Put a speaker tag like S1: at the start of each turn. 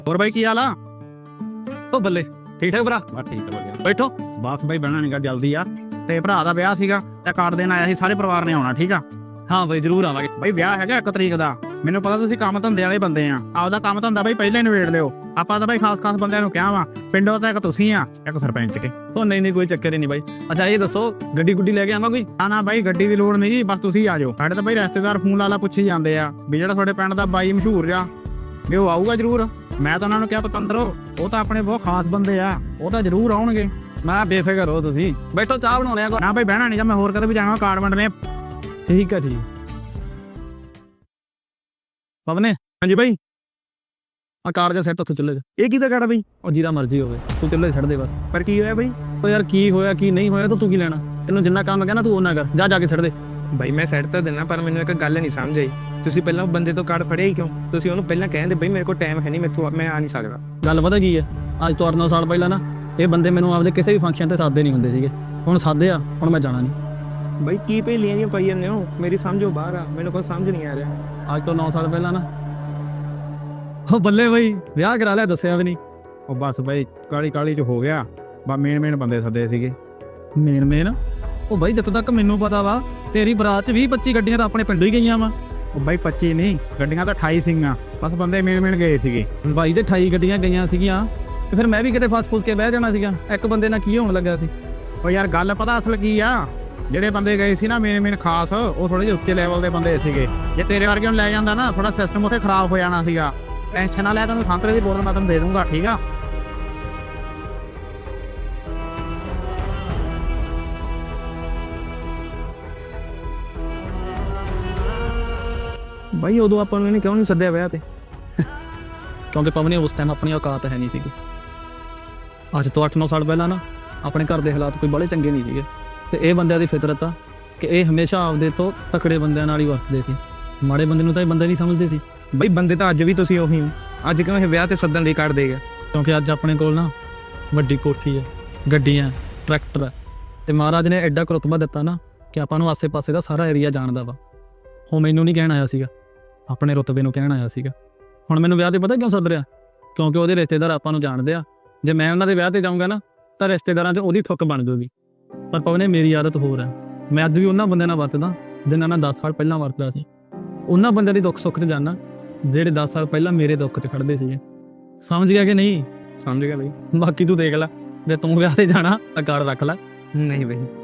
S1: ਹੋਰ ਬਾਈ ਕੀ ਹਾਲ ਆ?
S2: ਉਹ ਬੱਲੇ ਠੀਕ ਠਾਕ ਭਰਾ।
S1: ਬਸ ਠੀਕ ਆ ਵਧੀਆ।
S2: ਬੈਠੋ।
S1: ਬਸ ਬਾਈ ਬਹਿਣਾ ਨੀਗਾ, ਜਲਦੀ ਆ। ਤੇ ਭਰਾ ਦਾ ਵਿਆਹ ਸੀਗਾ ਤੇ ਕਾਰਡ ਦੇਣ ਆਇਆ ਸੀ, ਸਾਰੇ ਪਰਿਵਾਰ ਨੇ ਆਉਣਾ। ਠੀਕ ਆ
S2: ਹਾਂ ਬਈ ਜ਼ਰੂਰ ਆਵਾਂਗੇ।
S1: ਬਾਈ ਵਿਆਹ ਹੈਗਾ 1 ਤਰੀਕ ਦਾ। ਮੈਨੂੰ ਪਤਾ ਤੁਸੀਂ ਕੰਮ ਧੰਦੇ ਵਾਲੇ ਬੰਦੇ ਆ, ਆਪਦਾ ਕੰਮ ਧੰਦਾ ਬਾਈ ਪਹਿਲਾਂ ਹੀ ਨਿਬੇੜ ਲਿਓ। ਆਪਾਂ ਤਾਂ ਬਾਈ ਖਾਸ ਬੰਦਿਆਂ ਨੂੰ ਕਿਹਾ ਵਾ, ਪਿੰਡੋਂ ਤਾਂ ਇੱਕ ਤੁਸੀਂ ਆ, ਇੱਕ ਸਰਪੰਚ ਕੇ।
S2: ਉਹ ਨਹੀਂ ਕੋਈ ਚੱਕਰ ਹੀ ਨਹੀਂ ਬਾਈ। ਅੱਛਾ ਇਹ ਦੱਸੋ ਗੱਡੀ ਗੁੱਡੀ ਲੈ ਕੇ ਆਵਾਂ ਕੋਈ?
S1: ਨਾ ਬਾਈ ਗੱਡੀ ਦੀ ਲੋੜ ਨਹੀਂ ਜੀ, ਬਸ ਤੁਸੀਂ ਆ ਜਾਓ। ਸਾਡੇ ਤਾਂ ਬਾਈ ਰਿਸ਼ਤੇਦਾਰ ਫੋਨ ਲਾ ਪੁੱਛੀ ਜਾਂਦੇ ਆ ਵੀ ਜਿਹੜਾ ਤੁਹਾਡੇ ਪਿੰਡ ਦਾ ਬਾਈ ਮਸ਼ਹੂਰ ਆ ਵੀ ਉਹ ਆਊਗਾ ਜ਼ਰੂਰ। ਮੈਂ ਤਾਂ ਉਹਨਾਂ ਨੂੰ ਕਿਹਾ ਪਤੰਦਰੋ ਉਹ ਤਾਂ ਆਪਣੇ ਬਹੁਤ ਖਾਸ ਬੰਦੇ ਆ, ਉਹ ਤਾਂ ਜ਼ਰੂਰ ਆਉਣਗੇ।
S2: ਮੈਂ ਬੇਫਿਕਰ ਹੋ ਤੁਸੀਂ ਬੈਠੋ, ਚਾਹ ਬਣਾਉਣੇ ਆ।
S1: ਨਾ ਬਾਈ ਬਹਿਣਾ ਨਹੀਂ, ਜਾਂ ਮੈਂ ਹੋਰ ਕਦੇ ਵੀ ਜਾਵਾਂ ਕਾਰਡ ਵੰਡਣੇ।
S2: ਠੀਕ ਆ ਠੀਕ। ਪਵਨੇ। ਹਾਂਜੀ ਬਾਈ। ਆ ਕਾਰ ਦਾ ਸੈੱਟ ਉੱਥੇ ਚੁੱਲ੍ਹੇ 'ਚ। ਇਹ ਕਿਹਦਾ ਕਾਰ ਆ ਬਈ? ਉਹ ਜਿਹਦਾ ਮਰਜ਼ੀ ਹੋਵੇ, ਤੂੰ ਚੁੱਲ੍ਹੇ 'ਚ ਛੱਡ ਦੇ ਬਸ। ਪਰ ਕੀ ਹੋਇਆ ਬਈ? ਉਹ ਯਾਰ ਕੀ ਹੋਇਆ ਕੀ ਨਹੀਂ ਹੋਇਆ ਤਾਂ ਤੂੰ ਕੀ ਲੈਣਾ? ਤੈਨੂੰ ਜਿੰਨਾ ਕੰਮ ਕਹਿਣਾ ਤੂੰ ਉਹਨਾਂ ਕਰ, ਜਾ ਕੇ ਛੱਡ ਦੇ।
S3: ਬਾਈ ਮੈਂ ਸੈੱਟ ਤਾਂ ਦੇਣਾ, ਪਰ ਮੈਨੂੰ ਇੱਕ ਗੱਲ ਨਹੀਂ ਸਮਝ ਆਈ। ਤੁਸੀਂ ਪਹਿਲਾਂ ਉਹ ਬੰਦੇ ਤੋਂ ਕਾਰਡ ਫੜਿਆ ਹੀ ਕਿਉਂ? ਤੁਸੀਂ ਉਹਨੂੰ ਪਹਿਲਾਂ ਕਹਿੰਦੇ ਬਈ ਮੇਰੇ ਕੋਲ ਟਾਈਮ ਹੈ ਨਹੀਂ, ਮੈਂ ਆ ਨਹੀਂ ਸਕਦਾ।
S2: ਗੱਲ ਪਤਾ ਕੀ ਹੈ, ਅੱਜ ਤੋਂ 8-9 ਸਾਲ ਪਹਿਲਾਂ ਨਾ ਇਹ ਬੰਦੇ ਮੈਨੂੰ ਆਪਦੇ ਕਿਸੇ ਵੀ ਫੰਕਸ਼ਨ ਤੇ ਸਾਦੇ ਨਹੀਂ ਹੁੰਦੇ ਸੀਗੇ। ਹੁਣ ਸਾਦੇ ਆ, ਹੁਣ ਮੈਂ ਜਾਣਾ ਨਹੀਂ।
S3: ਬਾਈ ਕੀ ਭੇਲੀਆਂ ਜਿਹੀਆਂ ਪਾਈ ਜਾਂਦੇ ਹੋ? ਮੇਰੀ ਸਮਝੋ ਬਾਹਰ ਆ, ਮੈਨੂੰ ਕੁਝ ਸਮਝ ਨਹੀਂ ਆ ਰਿਹਾ।
S2: ਅੱਜ ਤੋਂ 9 ਸਾਲ ਪਹਿਲਾਂ ਨਾ ਉਹ ਬੱਲੇ ਬਈ ਵਿਆਹ ਕਰਾ ਲਿਆ, ਦੱਸਿਆ ਵੀ ਨਹੀਂ।
S1: ਉਹ ਬਸ ਬਾਈ ਕਾਲੀ ਚ ਹੋ ਗਿਆ। ਬਸ ਮੇਨ ਬੰਦੇ ਸੱਦੇ ਸੀਗੇ।
S2: ਮੇਨ ਉਹ ਬਾਈ ਜਿੱਥੋਂ ਤੱਕ ਮੈਨੂੰ ਪਤਾ ਵਾ ਤੇਰੀ ਬਰਾਤ 'ਚ 20-25 ਗੱਡੀਆਂ ਤਾਂ ਆਪਣੇ ਪਿੰਡੋਂ ਹੀ ਗਈਆਂ ਵਾ।
S1: ਉਹ ਬਾਈ 25 ਨਹੀਂ, ਗੱਡੀਆਂ ਤਾਂ 28 ਸੀਗੀਆਂ, ਬਸ ਬੰਦੇ ਮੇਨ ਗਏ ਸੀਗੇ।
S2: ਬਾਈ ਤੇ 28 ਗੱਡੀਆਂ ਗਈਆਂ ਸੀਗੀਆਂ ਤੇ ਫਿਰ ਮੈਂ ਵੀ ਕਿਤੇ ਫਸ ਕੇ ਬਹਿ ਜਾਣਾ ਸੀਗਾ। ਇੱਕ ਬੰਦੇ ਨਾਲ ਕੀ ਹੋਣ ਲੱਗਾ ਸੀ?
S1: ਉਹ ਯਾਰ ਗੱਲ ਪਤਾ ਅਸਲ ਕੀ ਆ, ਜਿਹੜੇ ਬੰਦੇ ਗਏ ਸੀ ਨਾ ਮੇਨ ਖਾਸ, ਉਹ ਥੋੜੇ ਜਿਹੇ ਉੱਚੇ ਲੈਵਲ ਦੇ ਬੰਦੇ ਸੀਗੇ। ਜੇ ਤੇਰੇ ਵਰਗੇ ਨੂੰ ਲੈ ਜਾਂਦਾ ਨਾ, ਥੋੜਾ ਸਿਸਟਮ ਉੱਥੇ ਖਰਾਬ ਹੋ ਜਾਣਾ ਸੀਗਾ। ਟੈਨਸ਼ਨ ਨਾ ਲੈ, ਤੈਨੂੰ ਸੰਤਰੇ ਦੀ ਬੋਤਲ ਮੈਂ ਤੈਨੂੰ ਦੇ ਦੂੰਗਾ। ਠੀਕ ਆ
S3: ਬਾਈ ਉਦੋਂ ਆਪਾਂ ਨੂੰ ਇਹਨੇ ਕਿਉਂ ਨਹੀਂ ਸੱਦਿਆ ਵਿਆਹ ਤੇ?
S2: ਕਿਉਂਕਿ ਪਵਨੇ ਉਸ ਟਾਈਮ ਆਪਣੀ ਔਕਾਤ ਹੈ ਨਹੀਂ ਸੀਗੀ। ਅੱਜ ਤੋਂ 8-9 ਸਾਲ ਪਹਿਲਾਂ ਨਾ ਆਪਣੇ ਘਰ ਦੇ ਹਾਲਾਤ ਕੋਈ ਬੜੇ ਚੰਗੇ ਨਹੀਂ ਸੀਗੇ ਤੇ ਇਹ ਬੰਦਿਆਂ ਦੀ ਫਿਤਰਤ ਆ ਕਿ ਇਹ ਹਮੇਸ਼ਾ ਆਪਦੇ ਤੋਂ ਤਕੜੇ ਬੰਦਿਆਂ ਨਾਲ ਹੀ ਵਰਤਦੇ ਸੀ। ਮਾੜੇ ਬੰਦੇ ਨੂੰ ਤਾਂ ਇਹ ਬੰਦੇ ਨਹੀਂ ਸਮਝਦੇ ਸੀ।
S3: ਬਈ ਬੰਦੇ ਤਾਂ ਅੱਜ ਵੀ ਤੁਸੀਂ ਉਹੀ ਹੋ। ਅੱਜ ਕਿਉਂ ਇਹ ਵਿਆਹ ਤੇ ਸੱਦਣ ਲਈ ਕਾਰਡ ਦੇ ਗਿਆ?
S2: ਕਿਉਂਕਿ ਅੱਜ ਆਪਣੇ ਕੋਲ ਨਾ ਵੱਡੀ ਕੋਠੀ ਹੈ, ਗੱਡੀਆਂ, ਟਰੈਕਟਰ ਹੈ ਤੇ ਮਹਾਰਾਜ ਨੇ ਐਡਾ ਕੁ ਰੁਤਬਾ ਦਿੱਤਾ ਨਾ ਕਿ ਆਪਾਂ ਨੂੰ ਆਸੇ-ਪਾਸੇ ਦਾ ਸਾਰਾ ਏਰੀਆ ਜਾਣਦਾ ਵਾ। ਉਹ ਮੈਨੂੰ ਨਹੀਂ ਕਹਿਣ ਆਇਆ ਸੀਗਾ, ਆਪਣੇ ਰੁਤਬੇ ਨੂੰ ਕਹਿਣ ਆਇਆ ਸੀਗਾ। ਹੁਣ ਮੈਨੂੰ ਵਿਆਹ ਤੇ ਪਤਾ ਕਿਉਂ ਸੱਦ ਰਿਹਾ? ਕਿਉਂਕਿ ਉਹਦੇ ਰਿਸ਼ਤੇਦਾਰ ਆਪਾਂ ਨੂੰ ਜਾਣਦੇ ਆ। ਜੇ ਮੈਂ ਉਹਨਾਂ ਦੇ ਵਿਆਹ ਤੇ ਜਾਊਂਗਾ ਨਾ ਤਾਂ ਰਿਸ਼ਤੇਦਾਰਾਂ 'ਚ ਉਹਦੀ ਠੁੱਕ ਬਣ ਜਾਊਗੀ। ਪਰ ਪਵਨੇ ਮੇਰੀ ਆਦਤ ਹੋਰ ਹੈ, ਮੈਂ ਅੱਜ ਵੀ ਉਹਨਾਂ ਬੰਦਿਆਂ ਨਾਲ ਵਰਤਦਾ ਜਿਨ੍ਹਾਂ ਨਾਲ 10 ਸਾਲ ਪਹਿਲਾਂ ਵਰਤਦਾ ਸੀ। ਉਹਨਾਂ ਬੰਦਿਆਂ ਦੀ ਦੁੱਖ ਸੁੱਖ 'ਚ ਜਾਣਾ ਜਿਹੜੇ 10 ਸਾਲ ਪਹਿਲਾਂ ਮੇਰੇ ਦੁੱਖ 'ਚ ਖੜਦੇ ਸੀਗੇ। ਸਮਝ ਗਿਆ ਕਿ ਨਹੀਂ?
S3: ਸਮਝ ਗਿਆ ਬਈ।
S2: ਬਾਕੀ ਤੂੰ ਦੇਖ ਲੈ, ਜੇ ਤੂੰ ਵਿਆਹ ਤੇ ਜਾਣਾ ਤਾਂ ਕਾਰਡ ਰੱਖ ਲੈ।
S3: ਨਹੀਂ ਬਈ।